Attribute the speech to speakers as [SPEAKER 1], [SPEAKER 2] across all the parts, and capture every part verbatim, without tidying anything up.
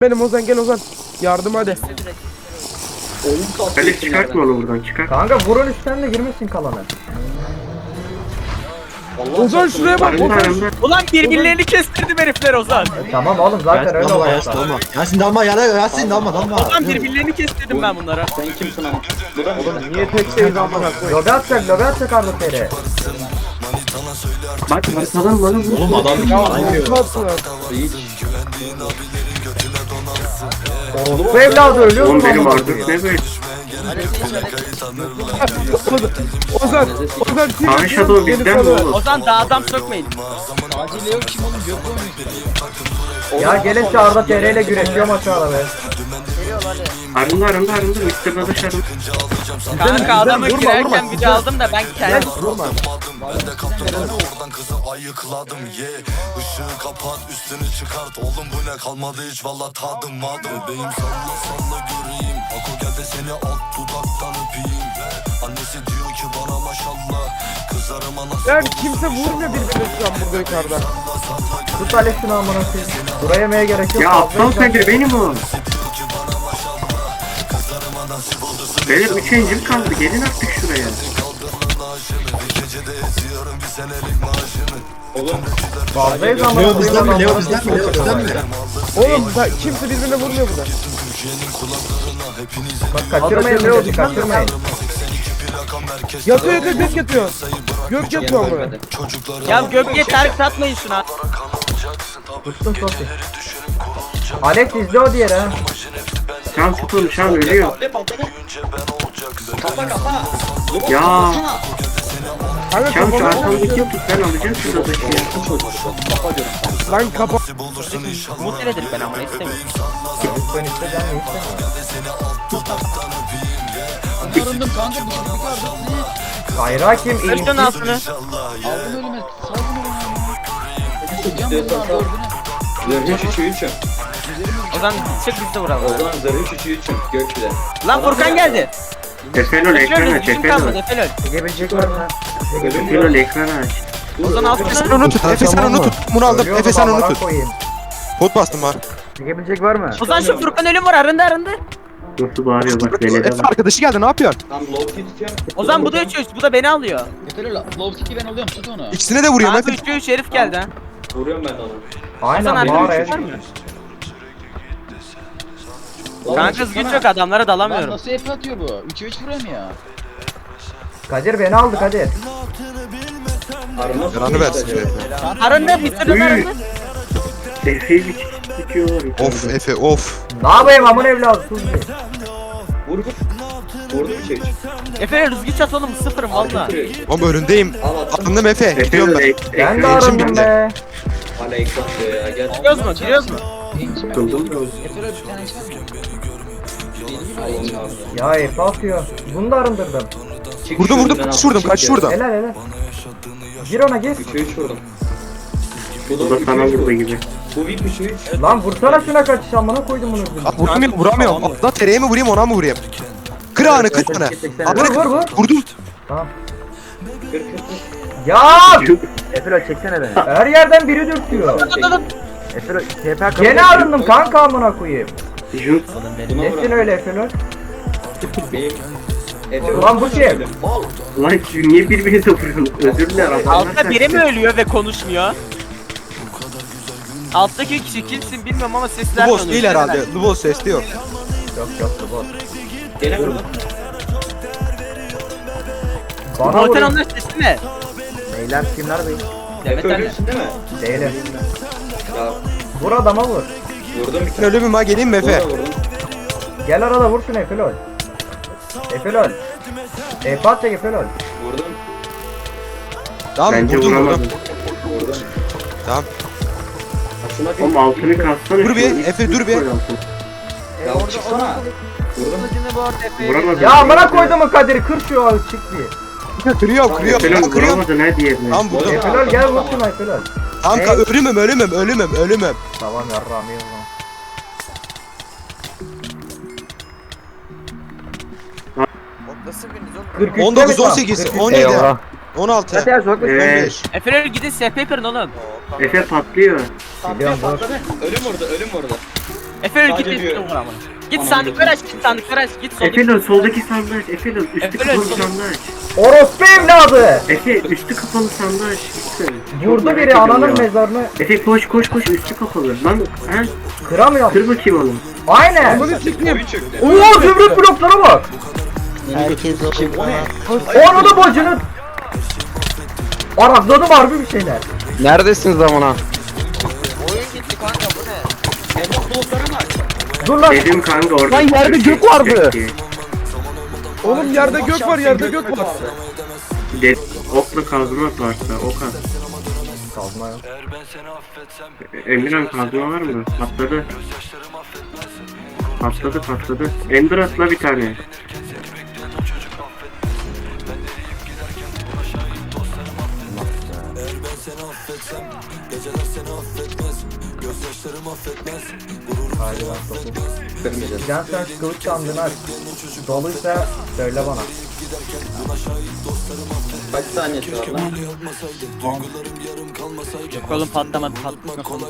[SPEAKER 1] Benim Ozan, gel Ozan. Yardım hadi.
[SPEAKER 2] Hadi çıkartma onu buradan, çıkart.
[SPEAKER 3] Kanka vurun üstten de girmesin kalanı.
[SPEAKER 1] Ozan şuraya bak.
[SPEAKER 2] Arında
[SPEAKER 1] Ozan.
[SPEAKER 2] arında.
[SPEAKER 4] Ulan birbirlerini kestirdim herifler Ozan.
[SPEAKER 3] E, tamam oğlum zaten öyle
[SPEAKER 5] Dalma
[SPEAKER 3] olay.
[SPEAKER 5] Yasin dalma. Yasin dalma ya Yasin dalma dalma.
[SPEAKER 4] Ozan birbirlerini kestirdim ben bunlara.
[SPEAKER 6] Sen kimsin ama? Bu da
[SPEAKER 1] Oğlum niye tek şeyiz amına koyayım?
[SPEAKER 3] Lobi atacak lobi atacak Arda Feri.
[SPEAKER 2] Bak arkadan bana vur.
[SPEAKER 5] Oğlum adam
[SPEAKER 1] Nasıl?
[SPEAKER 3] Bu evladı ölüyor mu?
[SPEAKER 2] Oğlum benim artık ne böyle?
[SPEAKER 1] Ozan, Ozan kim?
[SPEAKER 2] Kaan Shadow bizden mi oğlum?
[SPEAKER 4] Ozan daha adam sökmeyin.
[SPEAKER 3] Ya gelin Arda Feri ile güreşiyorum aşağıda be.
[SPEAKER 2] Arında arında arında. mister Dadaş arında.
[SPEAKER 4] Kanka adamı
[SPEAKER 1] vurma,
[SPEAKER 4] girerken
[SPEAKER 1] vurma.
[SPEAKER 4] video aldım da ben kendim.
[SPEAKER 1] Vurma.
[SPEAKER 7] Oradan kızı ayıkladım ye Işığı kapat üstünü çıkart Oğlum bu ne kalmadı hiç valla tadım madım Bebeğim salla salla göreyim Ako gel de seni alt dudaktan öpeyim Annesi diyor ki bana maşallah Kızlarıma nasıl
[SPEAKER 1] Ya kimse vurmuyor birbirine şu an burada yukarıda.
[SPEAKER 3] Tut Alex şunu amına koyayım. Buraya yemeye gerek yok.
[SPEAKER 2] Ya
[SPEAKER 3] fazla
[SPEAKER 2] aptal
[SPEAKER 3] insan-
[SPEAKER 2] Kadir benim o. Beyler üç encil kaldı. Gelin artık şuraya.
[SPEAKER 3] Fazlayız amına
[SPEAKER 5] Leo
[SPEAKER 3] koyayım.
[SPEAKER 5] bizden mi? Leo
[SPEAKER 3] adamlar.
[SPEAKER 5] bizden mi? Leo bizden mi?
[SPEAKER 1] Oğlum da kimse birbirine vurmuyor burada.
[SPEAKER 3] Bak kaçırmayın Leo kaçırmayın.
[SPEAKER 1] Yatıyor yatıyor gök yatıyor. Gök yatıyor ama.
[SPEAKER 4] Ya gölge tarif satmayın şuna.
[SPEAKER 3] Tuttum sosi. Alex izle o diğeri ha.
[SPEAKER 2] Şan tut onu, Şan ölüyor.
[SPEAKER 6] patla patla. Kapa kapa.
[SPEAKER 2] Ya
[SPEAKER 1] Kanka
[SPEAKER 2] Şan şu
[SPEAKER 1] kafamı
[SPEAKER 2] arkamdaki tut, ben alacağım şu Dadaş'ı ya.
[SPEAKER 6] Kapa diyorum sana.
[SPEAKER 1] lan kapa.
[SPEAKER 4] Umut nedir ben ama istemiyorum.
[SPEAKER 3] Ben isteyeceğim mi istemiyorum.
[SPEAKER 8] Arındım kanka bir şey çıkardım.
[SPEAKER 3] Kayra kim?
[SPEAKER 4] Öldün
[SPEAKER 3] İyi.
[SPEAKER 4] altını.
[SPEAKER 8] Aldım ölüme. Saldım ölüme. Hocam
[SPEAKER 6] İstiyorsan
[SPEAKER 8] bunlar
[SPEAKER 6] sal.
[SPEAKER 8] gördün.
[SPEAKER 6] Zırhı üçü üçüm.
[SPEAKER 4] Ozan çık biz de vuralım.
[SPEAKER 6] Ozan zırhı üçü üçüm. Gökçü'de.
[SPEAKER 4] Lan Furkan geldi.
[SPEAKER 2] Efenol ekran
[SPEAKER 4] Kaçıyoruz
[SPEAKER 2] aç,
[SPEAKER 4] bizim kalmadı
[SPEAKER 2] Efenol.
[SPEAKER 4] Efelöl.
[SPEAKER 3] Çekebilecek var mı?
[SPEAKER 2] Efenol ekran aç.
[SPEAKER 4] Ozan altını.
[SPEAKER 9] Sen onu tut. Efe sen onu tut. Bunu aldım.
[SPEAKER 3] Ölüyorum
[SPEAKER 9] Efe sen onu
[SPEAKER 3] amına
[SPEAKER 9] tut.
[SPEAKER 3] koyayım.
[SPEAKER 9] Pot bastım var.
[SPEAKER 3] Çekebilecek var mı?
[SPEAKER 4] Ozan şu Furkan ölüm var arındı arındı.
[SPEAKER 2] Nasıl bağırıyor bak belede
[SPEAKER 9] Efe
[SPEAKER 2] bak.
[SPEAKER 9] arkadaşı geldi ne yapıyorsun?
[SPEAKER 6] Tam low key tutuyorum.
[SPEAKER 4] Ozan bu da üç üç bu da beni alıyor.
[SPEAKER 8] Yeter la. Low kick'i ben alıyorum tut onu.
[SPEAKER 9] İkisine de vuruyorum
[SPEAKER 4] Kanka
[SPEAKER 9] Efe.
[SPEAKER 4] üçe üç herif geldi ha.
[SPEAKER 6] Vuruyorum ben de onu.
[SPEAKER 4] Ozan
[SPEAKER 3] Aynen
[SPEAKER 4] arkada
[SPEAKER 3] bağır
[SPEAKER 4] üç var mı?
[SPEAKER 6] Oğlum,
[SPEAKER 4] Kanka güç
[SPEAKER 8] çıksana.
[SPEAKER 4] yok adamlara
[SPEAKER 8] Lan
[SPEAKER 4] dalamıyorum.
[SPEAKER 8] nasıl F atıyor bu? üçe üç vuruyor mu ya?
[SPEAKER 3] Kadir beni aldı Kadir.
[SPEAKER 6] Arama
[SPEAKER 9] Yaranı versin şu Efe.
[SPEAKER 4] Arındı mister Ön arındı.
[SPEAKER 2] Efe'yi bir tutuyorlar.
[SPEAKER 9] Of Efe of.
[SPEAKER 3] Ne yapayım amın evladı sus bir.
[SPEAKER 6] Vur vur. Vurdu üçe üç.
[SPEAKER 4] Efe rüzgü çat oğlum sıfırım valla.
[SPEAKER 9] Oğlum önündeyim.
[SPEAKER 6] Al at.
[SPEAKER 9] Anladım Efe. Gidiyorum
[SPEAKER 2] Efenol
[SPEAKER 9] ben.
[SPEAKER 2] ek-
[SPEAKER 3] Ben de
[SPEAKER 2] ekran
[SPEAKER 3] arındım
[SPEAKER 9] bitti.
[SPEAKER 3] be.
[SPEAKER 6] Hala ekran diyor ya. Gel.
[SPEAKER 4] Giriyoruz mu? Giriyoruz mu?
[SPEAKER 2] tutuldum.
[SPEAKER 8] Yeter öyle bir tane içer mi?
[SPEAKER 3] Ya Efe atıyor. Bunu da arındırdım.
[SPEAKER 6] Çık
[SPEAKER 9] Vurdum
[SPEAKER 6] şuradan,
[SPEAKER 9] vurdum.
[SPEAKER 6] al.
[SPEAKER 9] Kaç vurdum
[SPEAKER 6] Çık
[SPEAKER 9] kaç
[SPEAKER 6] ya.
[SPEAKER 9] vurdum.
[SPEAKER 3] Helal helal. Gir ona gir.
[SPEAKER 6] üçe üç vurdum.
[SPEAKER 2] Bu da sana vurdu gibi.
[SPEAKER 6] Bu VIP üçe üç.
[SPEAKER 3] Lan vursana şuna kaçış amına koydum bunu.
[SPEAKER 9] Ah, vuramıyorum vuramıyorum. Atla tereye mi vurayım ona mı vurayım? Kır ağını kır bana.
[SPEAKER 3] Vur vur vur.
[SPEAKER 9] Vurdum.
[SPEAKER 3] Tamam.
[SPEAKER 6] Kır kır kır.
[SPEAKER 3] Ya!
[SPEAKER 1] Efelo çeksene beni.
[SPEAKER 3] Her yerden biri dürtüyor.
[SPEAKER 1] Efelo T P A
[SPEAKER 3] Gene arındım kanka amına koyayım.
[SPEAKER 2] Jut.
[SPEAKER 6] Buna
[SPEAKER 3] Nesin
[SPEAKER 6] vur.
[SPEAKER 3] öyle Efelol?
[SPEAKER 6] Benim. Efe
[SPEAKER 3] Ulan bu kim?
[SPEAKER 6] Al.
[SPEAKER 2] Lan şu niye birbirinize vuruyorsunuz? Özür dilerim. adamlar
[SPEAKER 4] Altta biri mi
[SPEAKER 2] kaçtı.
[SPEAKER 4] ölüyor ve konuşmuyor? Alttaki kişi kimsin bilmiyorum ama sesler
[SPEAKER 9] Lubos değil herhalde. Lubos sesli yok.
[SPEAKER 3] Yok yok bu.
[SPEAKER 6] Gene vurdum.
[SPEAKER 3] Bana
[SPEAKER 4] Motel
[SPEAKER 3] vurun.
[SPEAKER 4] onlar sesi mi?
[SPEAKER 1] Beyler kimler bey?
[SPEAKER 4] Demet
[SPEAKER 6] Efe
[SPEAKER 4] anne.
[SPEAKER 6] ölüyorsun değil mi?
[SPEAKER 3] Değilim.
[SPEAKER 6] Ya
[SPEAKER 3] Vur adama vur.
[SPEAKER 6] vurdum bir
[SPEAKER 9] Ben
[SPEAKER 6] tane.
[SPEAKER 9] ölü müyüm ha geleyim mi Efe?
[SPEAKER 6] Vurdum vurdum.
[SPEAKER 3] Gel arada vur şunu Efelol. Efelol. Efe atacak Efelol.
[SPEAKER 6] Vurdum.
[SPEAKER 9] Tamam
[SPEAKER 2] Bence
[SPEAKER 9] vurdum
[SPEAKER 2] vuramadım.
[SPEAKER 9] vurdum.
[SPEAKER 6] Vurdum.
[SPEAKER 9] Tamam.
[SPEAKER 6] Ha, şuna bir.
[SPEAKER 2] Oğlum altını katsana.
[SPEAKER 9] Dur bir,
[SPEAKER 2] şunu.
[SPEAKER 9] Efe, dur bir.
[SPEAKER 2] Koy altını.
[SPEAKER 6] Ya çıksana. Vurdum.
[SPEAKER 2] Vuramadım.
[SPEAKER 3] Ya amına koydum mu Kadir kır şu an çık bir.
[SPEAKER 9] Kırıyorum kırıyorum.
[SPEAKER 2] Efenol
[SPEAKER 9] Tamam kırıyorum.
[SPEAKER 2] vuramadın ha diğerini.
[SPEAKER 9] Tamam vurdum.
[SPEAKER 3] Efelol gel vur şunu Efelol.
[SPEAKER 9] Tamam ka- ölümüm ölümüm ölümüm ölümüm.
[SPEAKER 3] Tamam yarrağım iyi o zaman. kırk üçte
[SPEAKER 9] on dokuz
[SPEAKER 3] mi tam?
[SPEAKER 9] on sekiz
[SPEAKER 3] kırk üç.
[SPEAKER 9] on yedi on altı
[SPEAKER 3] Zaten sokak.
[SPEAKER 9] on
[SPEAKER 2] Evet.
[SPEAKER 9] beş.
[SPEAKER 4] Efe gidin S P kırın oğlum.
[SPEAKER 2] Efe patlıyor.
[SPEAKER 3] Biliyorum dur.
[SPEAKER 6] Patladı. Ölüm vurdu ölüm vurdu.
[SPEAKER 4] Efe git
[SPEAKER 6] Sadece
[SPEAKER 4] git
[SPEAKER 6] diyor.
[SPEAKER 4] vur amına. Git
[SPEAKER 6] Anam
[SPEAKER 4] sandıkları
[SPEAKER 6] götür.
[SPEAKER 4] aç, git sandıkları aç, git soldaki.
[SPEAKER 2] Efendim soldaki sandığı aç. Efendim üstü
[SPEAKER 4] Efendim,
[SPEAKER 2] kapalı
[SPEAKER 4] sol-
[SPEAKER 2] sandığı aç.
[SPEAKER 3] Orospu evladı.
[SPEAKER 2] Efe üstü kapalı sandığı aç. Lütfen. Çok
[SPEAKER 3] Vurdu
[SPEAKER 2] merak
[SPEAKER 3] biri
[SPEAKER 2] ediyorum
[SPEAKER 3] ananın
[SPEAKER 2] ya.
[SPEAKER 3] mezarını.
[SPEAKER 2] Efe koş koş koş üstü kapalı. Lan ha?
[SPEAKER 3] Kıramıyorum.
[SPEAKER 2] Kır bakayım onu.
[SPEAKER 3] Aynen.
[SPEAKER 6] Oyun çöktü.
[SPEAKER 3] Oo zümrüt bloklara bak.
[SPEAKER 8] Herkes o.
[SPEAKER 6] Kim o ne?
[SPEAKER 3] Onu da bacını. Arakladım harbi bir şeyler.
[SPEAKER 9] Neredesiniz amına?
[SPEAKER 6] Evlat blokları mı aç?
[SPEAKER 3] Dur lan.
[SPEAKER 2] Dedim kanka orada.
[SPEAKER 9] Lan yerde gök vardı.
[SPEAKER 2] diye.
[SPEAKER 9] Oğlum yerde gök var, yerde gök var.
[SPEAKER 2] De okla kazmak varsa ok at.
[SPEAKER 3] Kazma yok.
[SPEAKER 2] Emirhan kazma var mı? Patladı. Patladı patladı. Ender atla bir tane.
[SPEAKER 6] Kırmayacağız.
[SPEAKER 3] Can sen şu kılıç sandığını aç. Doluysa söyle bana.
[SPEAKER 6] Kaç saniyesi var lan?
[SPEAKER 4] Yok oğlum patlamadı, patlatma konuda.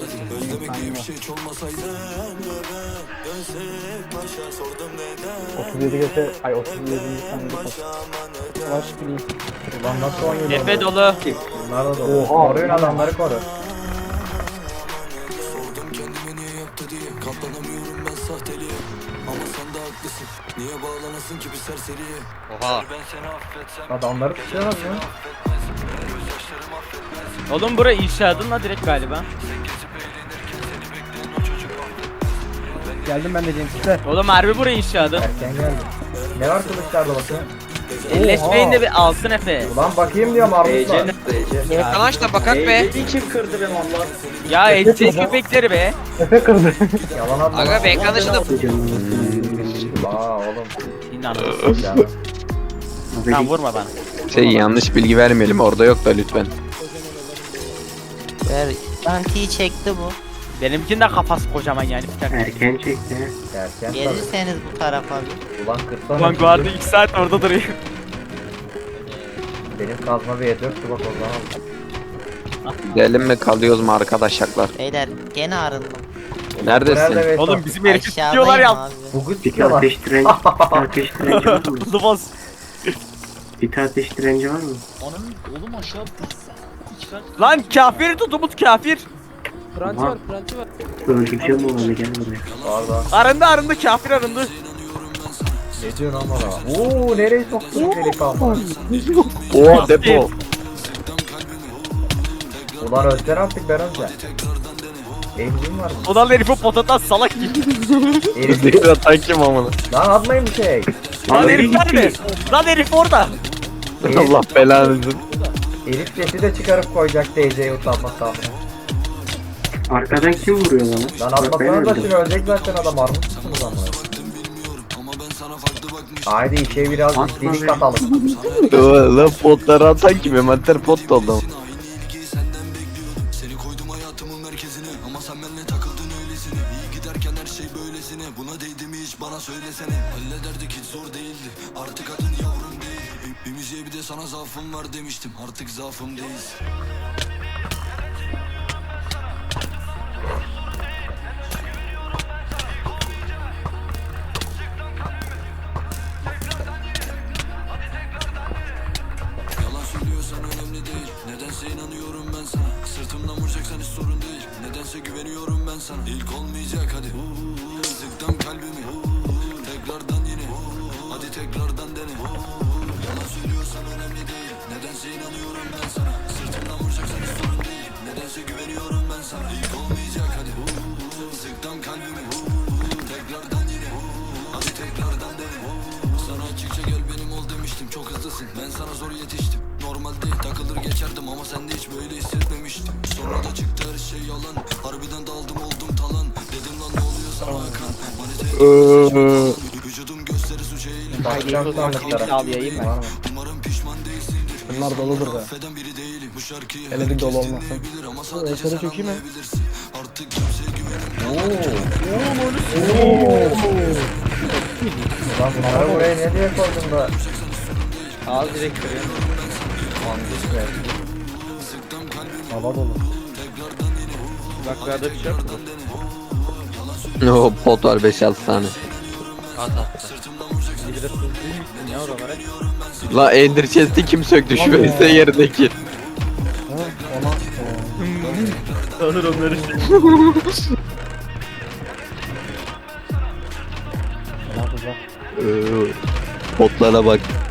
[SPEAKER 1] otuz yedi geçe ay otuz yedinci saniyede kaç? Baş bileyim.
[SPEAKER 3] Ulan nasıl on yedi
[SPEAKER 4] Efe
[SPEAKER 3] oldu?
[SPEAKER 4] dolu.
[SPEAKER 3] Bunlar da dolu. Koruyun adamları koru.
[SPEAKER 4] Oha.
[SPEAKER 3] Adamları tutuyorlar ya.
[SPEAKER 4] Oğlum bura inşaatın la direkt galiba.
[SPEAKER 1] Geldim ben de Cemsiz'e.
[SPEAKER 4] Oğlum harbi bura inşaatın.
[SPEAKER 3] Erken geldi. Ne var kılıçlarda bakayım?
[SPEAKER 4] Elleşmeyin de bir alsın Efe.
[SPEAKER 3] Ulan bakayım diyorum
[SPEAKER 6] E C
[SPEAKER 3] armutlar.
[SPEAKER 6] nerede E C?
[SPEAKER 4] Arkadaş da bakak
[SPEAKER 6] E C'yi kim kırdı be Allah?
[SPEAKER 4] Ya edecek köpekleri be.
[SPEAKER 3] Yalan atma.
[SPEAKER 4] Aga be arkadaşı da.
[SPEAKER 3] Aa oğlum.
[SPEAKER 4] İnanılmaz.
[SPEAKER 3] Yani.
[SPEAKER 4] Tamam vurma bana.
[SPEAKER 9] Şey yanlış bilgi vermeyelim orada yok da lütfen.
[SPEAKER 8] Ver. Antiyi çekti bu.
[SPEAKER 4] Benimkinin de kafası kocaman yani.
[SPEAKER 2] Erken çekti.
[SPEAKER 3] Erken tabii.
[SPEAKER 8] Gelirseniz bu tarafa bir.
[SPEAKER 3] Ulan kırsana.
[SPEAKER 4] Ulan guardı iki saat orada duruyor.
[SPEAKER 3] Benim kazma bir yedi yoktu bak o zaman.
[SPEAKER 9] Gidelim mi kalıyoruz mu arkadaşlar?
[SPEAKER 8] Beyler gene arındım.
[SPEAKER 9] Neredesin?
[SPEAKER 3] Nerede
[SPEAKER 4] Oğlum
[SPEAKER 3] Veysel?
[SPEAKER 4] bizim herifi tutuyorlar
[SPEAKER 8] Aşağıdayım
[SPEAKER 4] ya.
[SPEAKER 8] abi.
[SPEAKER 3] Bugu
[SPEAKER 2] Bir
[SPEAKER 3] tutuyorlar.
[SPEAKER 2] ateş direnci, bir ateş direnci var mı?
[SPEAKER 4] Lıbaz.
[SPEAKER 2] Bir ateş direnci var mı?
[SPEAKER 8] Onun oğlum aşağı
[SPEAKER 4] Lan kafir tutumuz kafir.
[SPEAKER 2] Pranti var, pranti var. Öldüreceğim olanı gel buraya.
[SPEAKER 3] Orada.
[SPEAKER 4] Arındı arındı kafir arındı.
[SPEAKER 3] Ne diyorsun lan bana? Ooo nereye soktun deli kalma?
[SPEAKER 9] Oo depo.
[SPEAKER 3] Ulan özler artık ben önce. Emzim var mı?
[SPEAKER 4] Odan herifi potatas salak gibi.
[SPEAKER 3] Herif.
[SPEAKER 9] Değil atan kim amına?
[SPEAKER 3] Lan atmayın bir şey.
[SPEAKER 4] Lan
[SPEAKER 2] Abi
[SPEAKER 4] herif nerede?
[SPEAKER 2] gitti.
[SPEAKER 4] Lan herif orada.
[SPEAKER 9] Allah belanızı.
[SPEAKER 3] Herif sesi de çıkarıp koyacak D C'yi utanmaz abi.
[SPEAKER 2] Arkadan kim vuruyor bana?
[SPEAKER 3] Lan
[SPEAKER 2] Bak ben
[SPEAKER 3] atmasana da
[SPEAKER 2] öldüm.
[SPEAKER 3] şimdi ölecek zaten adam armut musunuz ama? Haydi işe biraz
[SPEAKER 2] Atma
[SPEAKER 3] dilik
[SPEAKER 2] be.
[SPEAKER 3] katalım.
[SPEAKER 9] Lan potları atan kim? Emater pot doldu.
[SPEAKER 3] Bakacağım sandıklara.
[SPEAKER 4] Al yayayım ben.
[SPEAKER 3] Var mı?
[SPEAKER 1] Bunlar doludur be. Hele bir dolu olmasın. Eser'e çökeyim mi?
[SPEAKER 3] Lan bunları buraya ne diye koydun da?
[SPEAKER 4] Al direkt kırıyor.
[SPEAKER 1] Hava dolu.
[SPEAKER 4] Bak burada bir şey yok mu?
[SPEAKER 10] O pot var beş altı tane.
[SPEAKER 4] Ne oralara?
[SPEAKER 10] La Ender Chest'i kim söktü şu
[SPEAKER 1] Vallahi.
[SPEAKER 10] Veysel yerindeki?
[SPEAKER 1] Ha, ona. o.
[SPEAKER 4] Tanır onları.
[SPEAKER 1] Ulan kızlar.
[SPEAKER 10] Ee, Potlara bak.